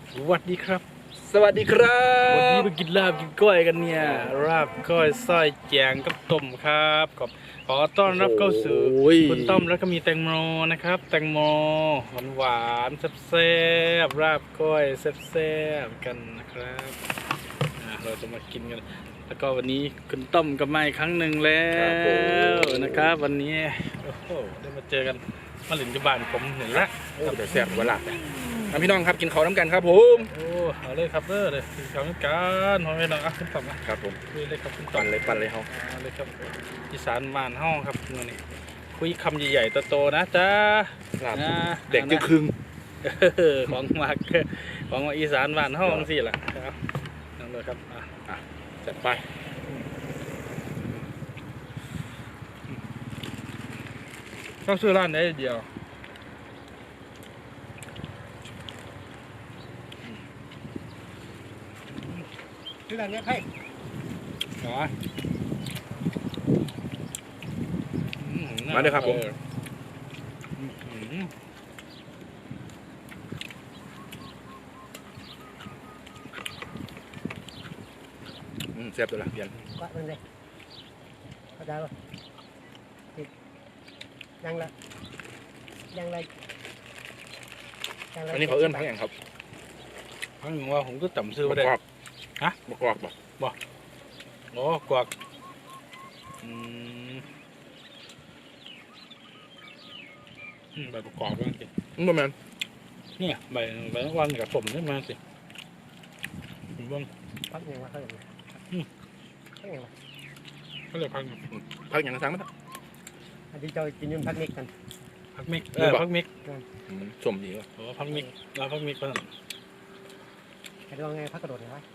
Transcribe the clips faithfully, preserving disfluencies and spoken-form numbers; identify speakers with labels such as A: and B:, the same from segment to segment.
A: สวัสดีครับ
B: สวัสดีครับ
A: วันนี้มากินลาบกินก้อยกันเนี่ยลาบก้อยส้อยแจงกับต้มครับขอขอต้อนรับเข้าสู่คุณต้มแล้วก็มีแตงโมนะครับแตงโมหวานหวานแซ่บๆลาบก้อยแซ่บๆกันนะครับเราจะมากินกันแล้วก็วันนี้คุณต้มก็มาอีกครั้งหนึ่งแล้วนะครับวันนี้โอ้โหได้มาเจอกันมาหลินจุบานผมเห็นละ
B: แต่แซ่บเวลาพี่น้องครับกินข้าวน้ำกันครับผม
A: โอ้เอาเลยครับเด้อเลยกินข้าวกันหอยน้องอ่ะคุณต้มนะครับ
B: ผม
A: คุยเลยครับคุณต้
B: ปั่
A: ม
B: นเลยปั่นเลยเขา
A: เอาเลยครับอีสานบ้านห้องครับมื้อนี้คุยคำใหญ่ๆโตๆนะจ้า
B: ลาบ
A: นะ
B: เด็กจึงครึ่ง
A: เออของมากของอีสานบ้านห้องสิล่ะครับนั่นเลยครับอ่ะ
B: อ่ะจัดไป
A: เข้าซื้อร้านได้เดียว
C: ที่ร้านนี้ให้
A: เหรออื
B: มาเลยครับผม
A: อืมอืม
B: อืมแซ่บตัวละเพียน
C: ว่ามันเลยเข้าใจป่ะยังละยังละยังละ
B: อันนี้เขาเอื้อนพักอย่างครับ
A: พังว่าผมก็จำซื้อ
B: มะ
A: ไม่ได้
B: กอก
A: ฮะ
B: มะกอกบ่
A: โอ้กวักอืมอืมใบประกอบบ้างสิ
B: อืมประมาณ
A: เนี่ยใบใบวันกับผมนี่มาสิผมว่า
C: พักยังวะเขาอย่างไรพักยังวะ
A: เขาเรียกพัก
B: พักอย่างนั้นทั้งมั้ง
C: อันที่จะกินยุ่นพักนิกกัน
A: พักมิกเออพักมิก
B: อืมสมดีว่ะ
A: โอ้พักมิกเราพักมิกก็
C: แต่ลองไงพักกระโดดเหรอวะ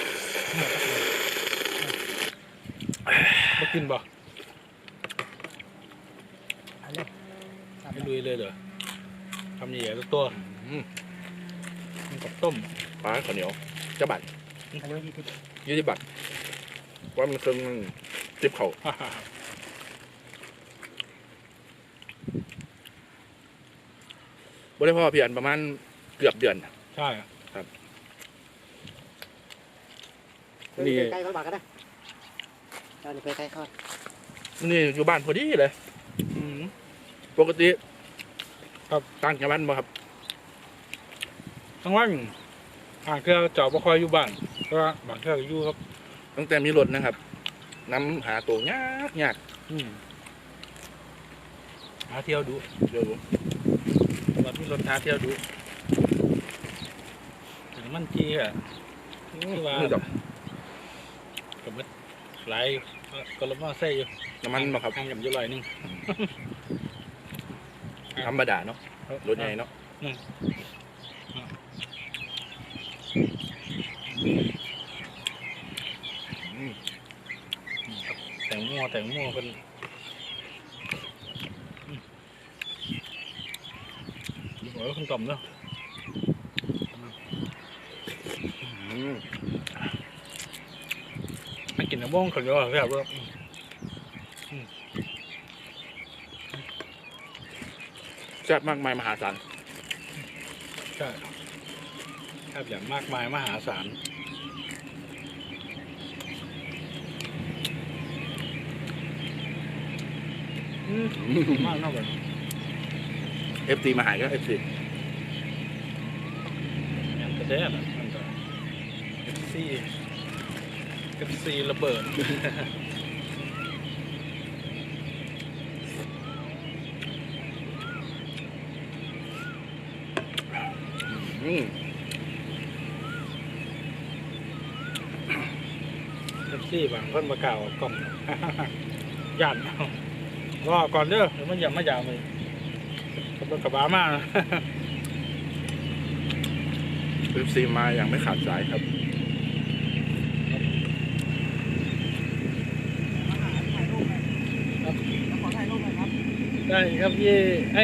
A: บ่กินบ่
C: อันนี้
A: ไม่ลุยเลยเหรอทำใหญ่ๆตัว
B: อืม
A: มันกับต้ม
B: ปลาข้าวเหนียวจะบัตร
C: อันนี้ยี่สิบ
B: ยี่สิบบาทว่ามันเครื่องจิบเข่าบริพ่อเพียนประมาณเกือบเดือน
A: ใช่
B: นี่
C: ใกล้ๆเขาบอกกันนะตอนนี้ไปใกล้เขา
B: นี่อยู่บ้านพอดีเลย
A: อืม
B: ปกติ
A: ครับ
B: ต่างจังหวัดบ่ครับ
A: ทั้งวันอ่างเครือเจาะบ่คอยอยู่บ้านก็บางเครือก็อยู่ครับ
B: ตั้งแต่มีรถนะครับน้ำหาตัวยากยาก
A: อืมหาเที่ยวดู
B: เดี๋ยว
A: วันนี้รถหาเที่ยวดูถึงมันจีอ่ะ คือว่า
B: นี่ดอก
A: กับมันหลายก็ลบมาใส่อยู่
B: น้ำมันบ่ครับ
A: ทางกับอยู่ลอยหนึง
B: ธรรมดาเนาะรถใหญ่เนาะ อืม
A: แต่งโม่แต่งโม่เป็นอืมโอ้ยคุณต่อมเนาะ
B: อืม
A: มันกินน้ำบ้องคนเดียวแบบว่า
B: แซ่บมากมายมหาศาล
A: ใช่แทบอย่างมากมายมหาศาลอืมมากเท่ากัน
B: เอฟซีมาหายก็เอฟซี
A: งานกระแดดอ่ะมันก็เอฟซีเอฟซีระเบิด
B: อืม
A: เอฟซีบางคนมากล่าวกล่อม ย่านเอารอก่อนเด้อเดี๋ยวมันอย่ามายาวเลยกับรถกระบะมากนะ
B: เอฟซีมาอย่างไม่ขาดสายครับ
C: ขอถ่ายรูปหน่อยครับ
A: ได้ครับพี่ให้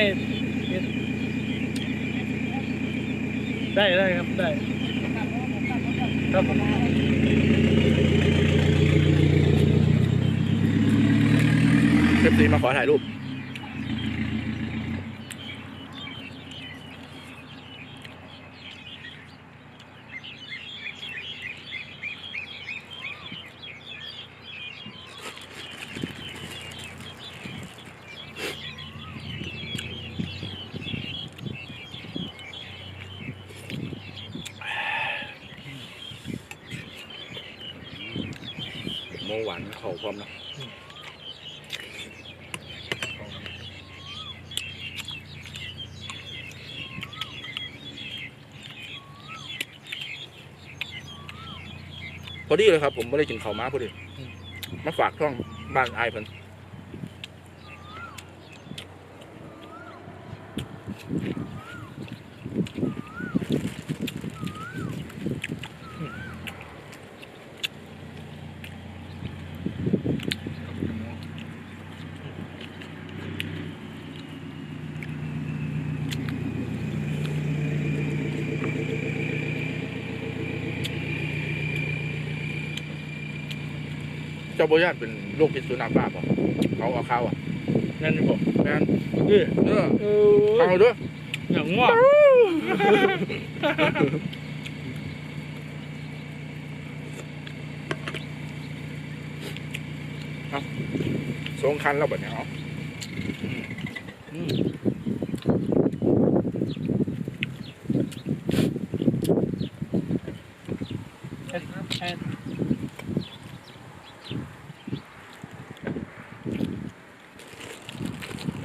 A: ได้ได้ครับได้ครับ
B: เอฟซีมาขอถ่ายรูปงหวานเข่าพร้อมนะพอดีเลยครับผมไม่ได้กินข้าวม้าพอดีมาฝากช่องบ้านอายเพิ่นเจ้าโบย่านเป็นโรคพิษสุนัขบ้าป่ะเขาเอาข้าวอ่ะ
A: นั่นนี่บอก
B: แม่น
A: เออ
B: เออ
A: เอ
B: ข้า
A: อ
B: วด้วย
A: อย่างว่า
B: สงคันแล้วแบบนี้เนาะ
A: อืมแค่แค่